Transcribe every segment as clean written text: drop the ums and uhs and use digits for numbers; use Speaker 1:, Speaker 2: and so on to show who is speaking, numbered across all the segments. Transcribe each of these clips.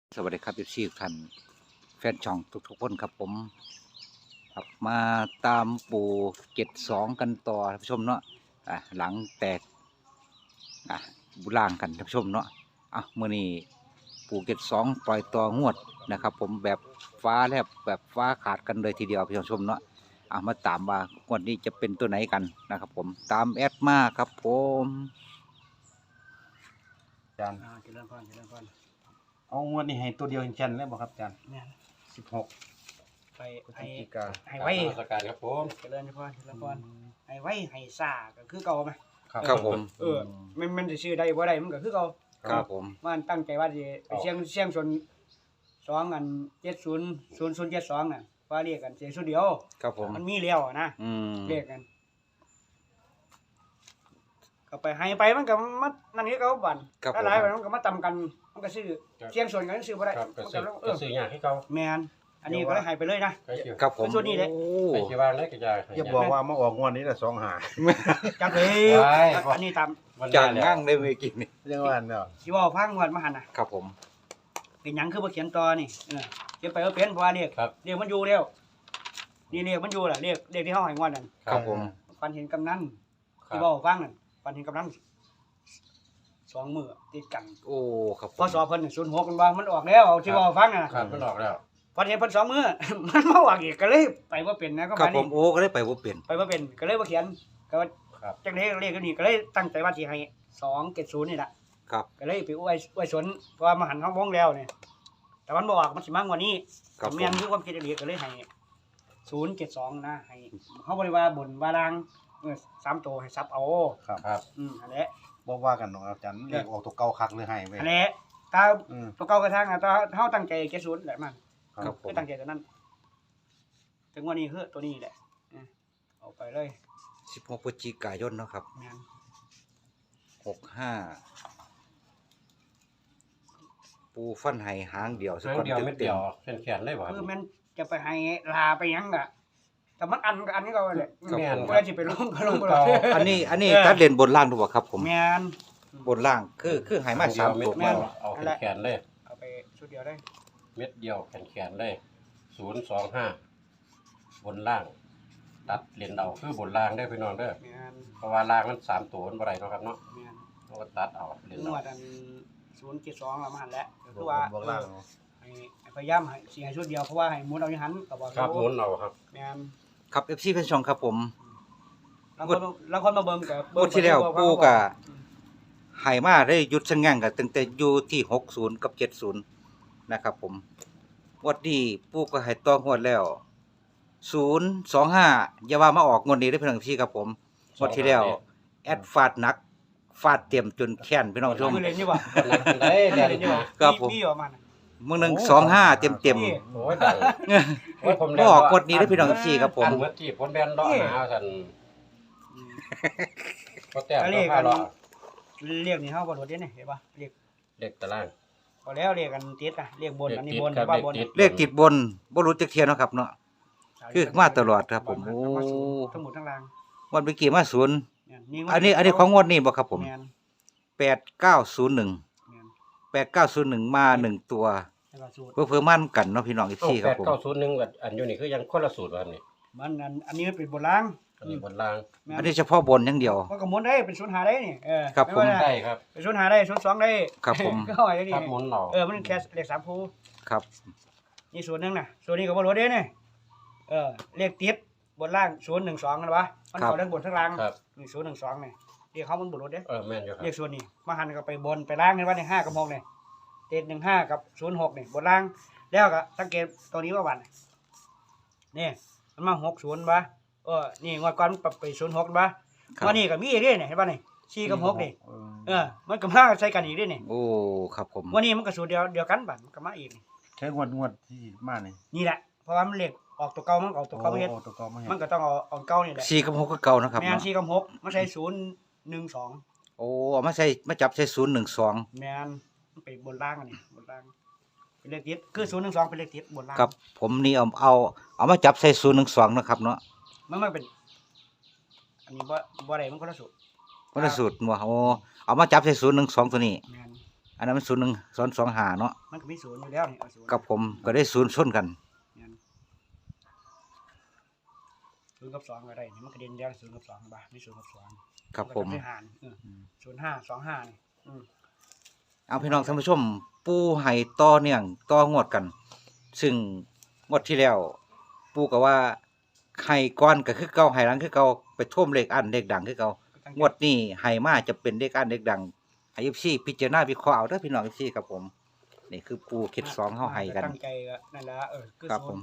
Speaker 1: สวัสดีครับทุกท่านแฟนช่องทุกคนครับผมครับมาตามปู่72กันต่อท่านผู้ชมเนาะหลังแตกบุล่างกันท่านผู้ชมเนาะมื้อนี้ปู่72ปล่อยต่องวดนะครับผมแบบฟ้าแลบแบบฟ้าขาดกันเลยทีเดียวท่านผู้ชมเนาะมาตามว่างวดนี้จะเป็นตัวไหนกันนะครับผมตามแอดมาครับผม
Speaker 2: อาจารย์
Speaker 3: เจริญพรเจริญพร
Speaker 2: เอางวดนี้ให้ตัวเดียวแค่นเลยบ่ครับอาจารย์
Speaker 3: เนี่ย
Speaker 2: 16
Speaker 3: ไป
Speaker 2: พฤศจิกา
Speaker 3: ให้ไว้
Speaker 4: นมัสการครับผม
Speaker 3: เจริญพรเจริญพรให้ไว้ให้ซ่าก็คือเก่าไหม
Speaker 1: ครับผม
Speaker 3: มันจะชื่อใดบ่ได้มันก็คือเก่า
Speaker 1: ครับผม
Speaker 3: มันตั้งใจว่าจะไปเชียงชน2 อัน700072น่ะว่าเรียกกันเสียงสุดเดียว
Speaker 1: ครับผม
Speaker 3: มันมีแล้วนะเรียกกันก็ไปให้ไปมันก็มานั่นนี่ก็บั่นหลายๆมันก็มาตำกันมันก็ซื้อเชียงชนกันซื้อบ่ได้
Speaker 4: ครับ
Speaker 3: มัน
Speaker 4: ก็ซื้ออย่างที่เขา
Speaker 3: แม่นอันนี้ก็เลยให้ไปเลยนะ
Speaker 4: ไปอยู่
Speaker 1: ครับผม
Speaker 3: เป็นส่วนนี้แหละ
Speaker 4: ไปที่บ้านเลยก็จะ
Speaker 2: อย่าบอกว่ามาออกงวดนี้ละ2หา
Speaker 3: จักเลย
Speaker 4: ไว้
Speaker 3: อันนี้ตาม
Speaker 1: จางง่างได้เมื่อกี้นี่
Speaker 2: เรื่องว่าเนาะ
Speaker 3: สิเว้าฟังวันมาหั่นน่ะ
Speaker 1: ครับผม
Speaker 3: เป็นหยังคือบ่เขียนต่อนี่เขียนไปว่าเป็นเพราะว่าเรียกมันอยู่แล้วนี่เรียกมันอยู่ล่ะเรียกที่เฮาให้งวดนั่น
Speaker 1: ครับผม
Speaker 3: ฝันเห็นกำนัน
Speaker 4: ครั
Speaker 3: ที่
Speaker 4: บ
Speaker 3: เว้าฟังนั่นฝันเห็นกำนัน2 มื้อติดกัน
Speaker 1: โอ้ครับผม
Speaker 3: พอสอบเพิ่น06มันว่ามันออกแล้วเอาที่เว้าฟังน่ะ
Speaker 4: ครับมันออกแล้ว
Speaker 3: ฝันเห็นเพิ่น2 มื้อ มันมาออกอีกก็เลยไปบ่เป็นนะก็
Speaker 1: ครับ
Speaker 3: มา
Speaker 1: ผ
Speaker 3: นี่
Speaker 1: มโอ้ก็ได้ไปบ่เปลี่ยน
Speaker 3: ไปบ่เป็นก็เลยบ่เขียนก็ว่า
Speaker 4: ครับ
Speaker 3: จังได๋เรียกกันนี่ก็เลยตั้งใจว่าสิให้270นี่ล่ะ
Speaker 1: ครับ
Speaker 3: ก็เลยไปอวยสนเพราะว่ามาหันเฮาวงแล้วเนี่ยแต่มันบ่ออกมันสิมากกว่านี้
Speaker 1: ครับผ
Speaker 3: แม่น
Speaker 1: ม
Speaker 3: คือความคิดอีหลีก็เลยให้072นะให้เฮาบ่ได้ว่าบนว่าล่าง3ตัวให้ซับเอา
Speaker 2: ครับ
Speaker 4: ครับ
Speaker 3: อันแหละ
Speaker 2: บ่ว่ากันเนาะอาจารย์เลขออกตัวเก่าคักเลยให้เว้ย
Speaker 3: อันแหละถ้า
Speaker 2: อืม
Speaker 3: ตัวเก่ากระทั่งถ้าเฮาตั้งใจ70แหละมัน
Speaker 1: ครับผม
Speaker 3: คือตั้งใจตัวนั้นถึงวันนี้คือตัวนี้แหละเอาไปเลย
Speaker 1: 16พฤศจิกายนเนาะครับ
Speaker 3: แม่น
Speaker 1: 65ปูฟันไห้หางเดียว
Speaker 4: ครั้งเดียวเม็ดเดียวแขนเลยบ่ครับ
Speaker 3: คือมันจะไปให้ลาไปหยังก็แต่มันอันก็อันนี้ก็แหละ
Speaker 4: แม่น
Speaker 3: บ่ได้สิไปลงก็ลงบ่ได้
Speaker 1: อันนี้ตัดเลนบนล่างดูบ่ครับผม
Speaker 3: แม่น
Speaker 1: บนล่างคือไห้มา
Speaker 4: เดียว
Speaker 1: 3
Speaker 4: เม็ด
Speaker 1: ตัว
Speaker 4: เดียวเอาแขนเลย
Speaker 3: เอาไปชุดเดียวได้
Speaker 4: เม็ดเดียวแขนเลย025บนล่าง ตัดเลนเอาคือบนล่างได้พี่น้องเด้อ
Speaker 3: แม่น
Speaker 4: เพราะว่าล่างมัน3ตัวมันบ่ได้เนาะครับเนาะ
Speaker 3: แม่น
Speaker 4: เราก็ตัดเอาเลน
Speaker 3: น
Speaker 4: เอา
Speaker 3: วดอัน072เรามาหันแล้วก็
Speaker 2: บ
Speaker 3: คือว่า
Speaker 2: วกล่าง
Speaker 3: ให้พยายามให้สิให้ชุดเดียวเพราะว่าให้หมุนเอาอยู่หันก็บ่
Speaker 4: ครับหมุนเอาครับ
Speaker 3: แม่น
Speaker 1: ครับ FC แฟนช่องครับผม
Speaker 3: แล้วคนมาเบิ่งก็
Speaker 1: งวดที่แล้วปูก็ไห้มาได้หยุดชะงั่งกันตั้งแต่อยู่ที่60กับ70นะครับผมงวดนี้ปูก็ให้ต่องวดแล้ว025อย่าว่ามาออกงวดนี้ได้อพี่น้องพี่ครับผมงวดที่แล้วแอดฟาดหนักฟาดเต็มจนแค้นพี่น้องผู้ชม
Speaker 3: มือเล่นอยู่บ่
Speaker 4: หนักได้
Speaker 3: มือ
Speaker 4: เรียน
Speaker 3: เล่นอยู่บ่
Speaker 1: ครับผม
Speaker 3: มีอยู่ประมาณนั้น
Speaker 1: มื้อหนึง25เต็ม
Speaker 3: นี่
Speaker 4: โอ้ยดังโอ้ยผม
Speaker 1: ๆบ่ออกงวดนี้ได้อพี่น้องพี่ครับผม
Speaker 4: อันเมื่อกี้ผมแบนเลาะหาซั่นก็แต้ม
Speaker 3: เรี
Speaker 4: ก็
Speaker 3: ยก
Speaker 4: พา
Speaker 3: กัน
Speaker 4: เลาะ
Speaker 3: เรียกนี่เฮาบ่โดดเด่นนี่เห็นป่ะเรียก
Speaker 4: เด็กตาราง
Speaker 3: พอแล้วเรียกกันติดอ่ะเรียกบนอันนี้บน
Speaker 4: ครับ
Speaker 3: ว่าบน
Speaker 1: เลขติดบนบ่รู้จักเที่ยเนาะครับเนาะ คือมาตลอดครับผมโอ้
Speaker 3: ทั้งหมดทั้งราง
Speaker 1: วันเมื่อกี้มาศูนย์
Speaker 3: เนี่ย
Speaker 1: อันนี้ของงวดนี้บ่ครับผม
Speaker 3: แม่น
Speaker 1: 8901
Speaker 3: แม่น
Speaker 1: 8901มา1ตัว
Speaker 3: แล้วก็สูตร
Speaker 1: เพื่อมั่นกันเนาะพี่น้องอีก
Speaker 4: โอ้
Speaker 1: ทีครับผม
Speaker 4: 8901กับอันอยู่นี่คือยังคนละสูตรว่านี่
Speaker 3: มันอันนี้มันเป็นบนราง
Speaker 4: อันนี้บนล่าง
Speaker 3: แม่น
Speaker 1: อันนี้เฉพาะบนอย่างเดียว
Speaker 3: มันก็หมุนได้เป็นศูนย์หาได้นี่
Speaker 1: ครับผม
Speaker 3: ไว่า
Speaker 4: ได้ครับ
Speaker 3: เป็นศูนย์หาได้ศูนย์สองได้
Speaker 1: ครับผม
Speaker 3: ก็เอาไว้ได้นี่
Speaker 4: ครับหมุนเอา
Speaker 3: มันแค่เลข3คู่
Speaker 1: ครับ
Speaker 3: นี่ส่วนหนึงน่ะส่วนนี้ก็บ่รู้เด้นี่เลขติดบนล่าง012กันวะมันเข้าทั้งบนทั้งล่าง
Speaker 4: ครับ
Speaker 3: นี่012นี่เรียกเขามันบ่รู้เด้
Speaker 4: แม่นอยู่ครับ
Speaker 3: เรียกส่วนนี้มาหันก็ไปบนไปล่างเห็นว่าใน5กับ6นี่ติด15กับ06นี่บนล่างแล้วก็สังเกตตัวนี้ว่าวันนี่มันมา60บ่นี่งวดก่อนมันปรับไป06บ่
Speaker 1: ครับ
Speaker 3: วันนี้ก็มีอีกเด้นี่เห็นป่ะนี่4กับ6นี่มันก็มาใส่กันอีกเด้นี่
Speaker 1: โอ้ครับผม
Speaker 3: วันนี้มันก็สูตรเดียวกันบัดมันก็มาอีกนี่
Speaker 2: ใช้งวดที่มานี่
Speaker 3: นี่แหละเพราะว่ามันเลขออกตัวเก่ามันก็ออกตัวเก่ามาเฮ็ด
Speaker 2: โอ้ตัวเก่ามาเฮ็
Speaker 3: มัน
Speaker 2: ด
Speaker 3: ก็ต้องเอาเก่านี่แหละ
Speaker 1: 4กับ6ก็เก่านะครับ
Speaker 3: แม่น
Speaker 1: เนาะ
Speaker 3: 4กับ6มันใช้012
Speaker 1: โอ้เอามาใส่มาจับใส่012
Speaker 3: แม่นมันไปบนล่างอันนี้บนล่างเป็นเลขติดคือ012เป็นเลขติดบนล่าง
Speaker 1: ครับผมนี่เอามาจับใส่012นะครับเนาะ
Speaker 3: มันเป็นอันนี้บ่ได้มันคนละสูตร
Speaker 1: คนละสูตรบ่โอ้เอามาจับใส่012ตัวนี้
Speaker 3: แม่น
Speaker 1: อันนั้นมันศูนย์หนึ่งสองหาเนาะ
Speaker 3: มันก็มีศูนย์อยู่แล้วนี่เอาศูนย์
Speaker 1: กับผมก็ได้ศูนย์ชนกัน
Speaker 3: งั้นศูนย์กับสองก็ได้นี่มันกระเด็นเดียวศูนย์กับสองบ้าไม่ศูนย์กับสอง
Speaker 1: ครับผม
Speaker 3: นก็ทำให้หาร05 25นี่
Speaker 1: เอาพี่น้องท่านผู้ชม ปูไห้ต่อเนื่องต่องวดกัน ซึ่งงวดที่แล้ว ปูก็ว่าไห้ก้อนก็คือเก่าไห้หลังคือเก่าไปท่วมเลขอันเลขดังคือเก่างวดนี้ไห้มาจะเป็นเลขอันเลขดังให้ FC พิจารณาวิเคราะห์เอาเด้อพี่น้อง FC ครับผมนี่คือปูเข็ดสองเฮาไห้กัน
Speaker 3: ตั้งใจก็นั่นละคือ
Speaker 1: ครับผม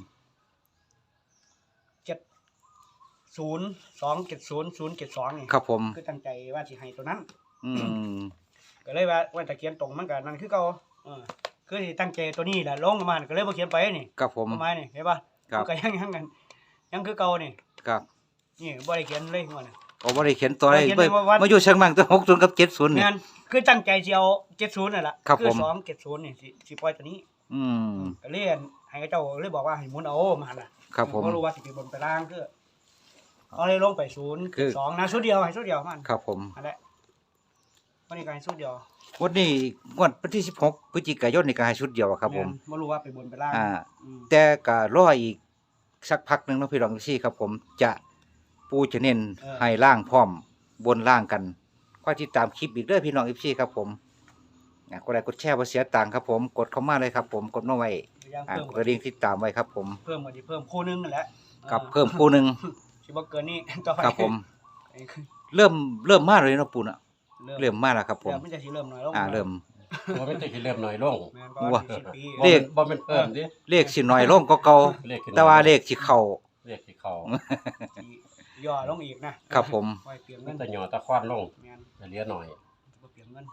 Speaker 3: 07270 นี่
Speaker 1: ครับผม
Speaker 3: คือตั้งใจว่าสิให้ตัวนั้น
Speaker 1: อืม
Speaker 3: ก็เลยว่าตะเขียนตรงมันก็นั่นคือเก่าคือสิตั้งใจตัวนี้แหละลงมาก็เลยบ่เขียนไปนี่
Speaker 1: ครับผม
Speaker 3: ประมาณนี่เห็นป่ะ
Speaker 1: ครับ
Speaker 3: มันก็ยังกันยังคือเก่านี่
Speaker 1: ครับ
Speaker 3: นี่บ่ได้เขียนเลยหัวน่ะ
Speaker 1: โอ้บ่ได้เขียนตัวอะไร
Speaker 3: บ่ได้เขียนเลยว่า
Speaker 1: มาอยู่เชียงใหม่ตั้ง60กับ70นี่
Speaker 3: งั้นคือตั้งใจสิเอา70นั่นล่ะ
Speaker 1: ครับผม
Speaker 3: 270นี่สิปล่อยตัวนี้
Speaker 1: อืม
Speaker 3: ก็เลยให้เจ้าเลยบอกว่าให้หมุนเอามาหั่นน่ะ
Speaker 1: ครับผม
Speaker 3: บ่รู้ว่าสิไปบนไปล่างคือเอาเลยลงไป
Speaker 1: คือ
Speaker 3: 0 2นะชุดเดียวให้ชุดเดียวมัน
Speaker 1: ครับผม
Speaker 3: นั่นแหละวันนี้ก็ให้ชุดเดียว
Speaker 1: วันนี้งวดวันที่16พฤศจิกายนนี่ก็ให้ชุดเดียวอะครับผม
Speaker 3: แนบ่รู้ว่าไปบนไปล่าง อืม
Speaker 1: แต่ก็รออีกสักพักหนึงเนาะพี่น้องซี่ครับผมจะปูจะเน้นให้ล่างพร้อมบนล่างกันก็ติดตามคลิปอีกเด้อพี่น้องซี่ครับผมกดไลค์กดแชร์บ่เสียตังค์ครับผมกดเข้ามาเลยครับผมกดมาไว้
Speaker 3: พยายามเพิ่ม
Speaker 1: กระดิ่งติดตามไว้ครับผม
Speaker 3: เพิ่มก็สิเพิ่มคู่หนึงนั่นแหละ
Speaker 1: กับเพิ่มคู่หนึง
Speaker 3: สิบ่เกินนี้ต่อไป
Speaker 1: ครับผม
Speaker 3: ไอ้คือ
Speaker 1: เริ่มมาเลยเนาะปูน่ะเริ่มมาแล้วครับผม
Speaker 3: เริ่มมันจะสิเริ่มน้อยลง
Speaker 1: เริ่ม
Speaker 4: ว่ามันจะสิเริ่มน้อยลง
Speaker 3: แม่นเพราะว่า40ปี
Speaker 1: เลข
Speaker 4: บ่แม่นเพิ่มดิ
Speaker 1: เลขสิน้อยลงก็เก่า
Speaker 4: เลขขึ้น
Speaker 1: แต่ว่าเลขสิเข้า
Speaker 4: เลขที่เขา
Speaker 3: สิย่อลงอีกนะครับ
Speaker 1: ผม
Speaker 3: ไว้เปลี่ยน
Speaker 4: มั
Speaker 3: เงิ
Speaker 4: น
Speaker 3: น
Speaker 4: จะหย่อตะควานลง
Speaker 3: แม่น
Speaker 4: จะเหลือหน่อย
Speaker 3: บ่เปลี่ยนเงิน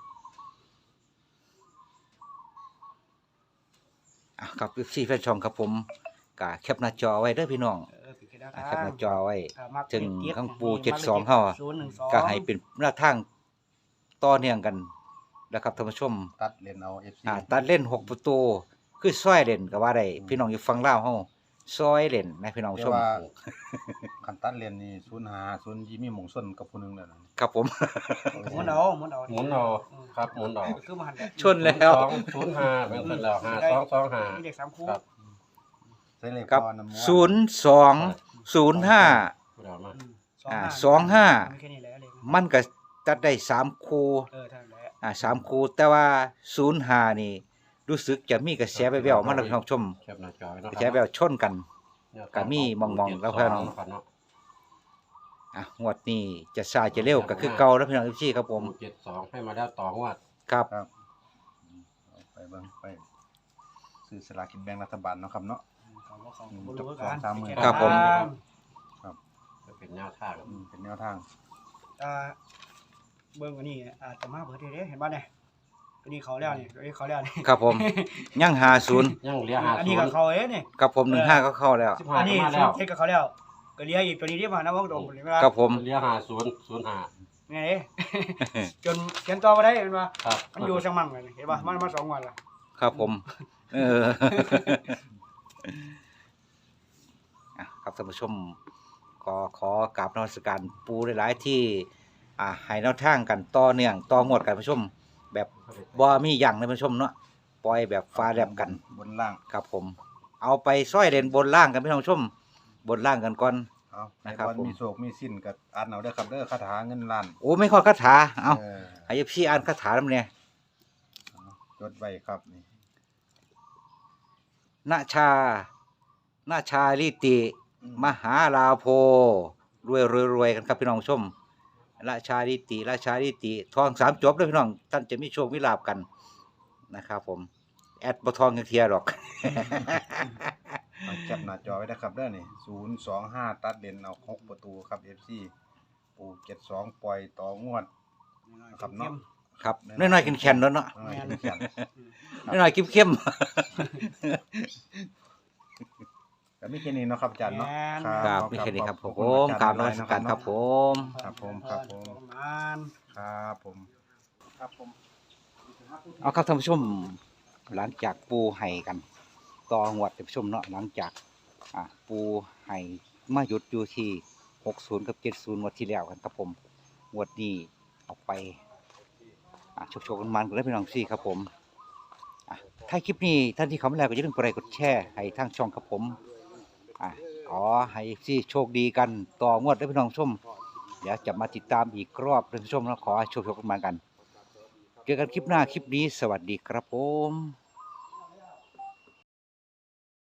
Speaker 1: ครับพี่แฟนช่องครับผมก็แคปหน้าจอไว้เด้อพี่น้อง
Speaker 3: ปิดแค่
Speaker 1: แคปหน้าจอไว้
Speaker 3: มัก
Speaker 1: ถึง
Speaker 3: เจ็ด
Speaker 1: ข้างปู
Speaker 3: นี่
Speaker 1: 72เฮา
Speaker 3: 012
Speaker 1: ก็ให้เป็นหน้าทางต่อเนื่องกันนะครับท่านผู้ชม
Speaker 2: ตัดเลนเอา FC
Speaker 1: ตัดเล่น6ประตูคือซอยเล่นก็ว่าได้พี่น้องอยู่ฝั่งลาวเฮาซอยเล่นนะพี่น้อง
Speaker 2: แต่
Speaker 1: ชม
Speaker 2: ว่าคันตัดเลนนี่05ยิมีหมงส้นกับผู้หนึงแล้วนะ
Speaker 1: ครับผม
Speaker 3: หมุนเอา
Speaker 4: หมุนเอาครับหมุนเอา
Speaker 3: คือมาหันได้
Speaker 1: ชนแล้ว
Speaker 4: 205เป็นคนแล้ว5225
Speaker 3: มีเด็ก3คู่
Speaker 4: ครับ
Speaker 2: ใส่เลข
Speaker 1: ครับ
Speaker 2: พอน้ำม้วน
Speaker 1: 0205
Speaker 4: พูดเอามา
Speaker 1: 25
Speaker 3: มีแค่นี้แหละเลย
Speaker 1: มันก็ตัดได้3คู่
Speaker 3: เท่านั้นแหละ
Speaker 1: 3คู่แต่ว่า05นี่รู้สึกจะมีกระแสแว่วๆมาแล้วพี่น้องชม
Speaker 4: แคปหน้าจอไว้เนาะ
Speaker 1: กระแสแว่วชนกัน ก็มีมองๆแล้วเพิ่น
Speaker 4: เนาะ
Speaker 1: งวดนี้จะช้าจะเร็วก็คือเก่าแล้วพี่น้องพี่ครับผม
Speaker 4: 72ให้มาแล้วต่องวด
Speaker 1: ครับ
Speaker 2: ครับไปเบิ่งไปซื้อสลากกินแบ่งรัฐบาลเนาะครับเนาะ
Speaker 3: เขาบ่รู้กัน
Speaker 2: 2-3
Speaker 1: ครับผม
Speaker 4: จะเป็นแนวทาง
Speaker 2: เป็นแนวทาง
Speaker 3: เบิ่งอันนี้อาจจะมาเบิดเด้เห็นบ่เนี่ยตัวนี้เขาแล้วนี่ตัวนี้เขาแล้วนี่
Speaker 1: ครับผมยัง50
Speaker 4: ยังเหลือ
Speaker 3: อันนี้ก็
Speaker 4: 50
Speaker 3: เขานี่
Speaker 1: กับผม15ก็เข้าแล้ว
Speaker 3: อันนี้
Speaker 4: มาแล้ว
Speaker 3: เฮ็ดกับเขาแล้วก็เหลืออีกตัวนี้ที่มานะว่าตรงเวลา
Speaker 1: ครับผม
Speaker 4: เหลือ5005
Speaker 3: ไงจนเขียนต่อบ่ได้เห็นบ่
Speaker 4: ครับ
Speaker 3: มันอยู่จังมั่งเลยเห็นบ่มันมา2วันละ
Speaker 1: ครับผมครับท่านผู้ชมก็ขอกราบนมัสการปูหลายๆที่ให้แนวทางกันต่อเนื่องต่องวดกันผู้ชม แบบบ่มีหยังเลยผู้ชมเนาะปล่อยแบบฟ้าแลบกัน
Speaker 2: บนล่าง
Speaker 1: ครับผม เอาไปซ้อยเล่นบนล่างกันพี่น้องผู้ชม บนล่างกันก่อน
Speaker 2: เอาใน
Speaker 1: นะครับ
Speaker 2: วัน
Speaker 1: ผม
Speaker 2: มีโศกมีสิ้นก็อ่านเอาเด้อครับเด้อคาถาเงินล้าน
Speaker 1: โอ้ไม่ขอคาถาเอา
Speaker 2: เออ
Speaker 1: ให้พี่อ่านคาถานำเนี่ย
Speaker 2: จดไว้ครับนี่
Speaker 1: นาชาลิติมหาลาโภรวยกันครับพี่น้องผู้ชมราชาลิติทอง3จบเลยพี่น้องท่านจะมีโชคมีลาภกันนะครับผมแอดบ่ทองจังเทียดอก
Speaker 2: เอาจับหน้าจอไว้นะครับเด้อนี่025ตัดเลนเอา6ประตูครับ FC ปู72ปล่อยต่องวด ครับเนาะ
Speaker 1: ครับน้อยๆแข็งๆเนาะ
Speaker 2: น้อยๆเขียน
Speaker 1: น้อยๆเข้ม
Speaker 2: ก็มีแค่นี้เนาะครับอาจารย์เนาะ
Speaker 1: ๆครับมีแค่นี้ครับผ
Speaker 2: ขอ
Speaker 1: ม
Speaker 2: คุณ
Speaker 1: กราบ
Speaker 2: อจ
Speaker 1: น
Speaker 2: ย์
Speaker 1: มัสการครับผม
Speaker 2: ครับผมครับผม
Speaker 3: งาน
Speaker 2: ครับผม
Speaker 3: ครับผม
Speaker 1: เอาครับท่านผู้ชมหลังจากปูไห้กันต่องวดท่านผู้ชมเนาะหลังจากปูไห้มาหยุดอยู่ที่60กับ70งวดที่แล้วกันครับผมงวดนี้เอาไปโชคๆกันมันกันเลยพี่น้องซี่ครับผมถ้าคลิปนี้ท่านที่เข้ามาแล้วก็อย่าลืมกดไลค์กดแชร์ให้ทางช่องครับผมขอให้ซี่โชคดีกันต่องวดด้วยพี่น้องชมเดี๋ยวจะมาติดตามอีกรอบท่านผู้ชมแล้วขอให้โชคๆกันมากันเจอกันคลิปหน้าคลิปนี้สวัสดีครับผม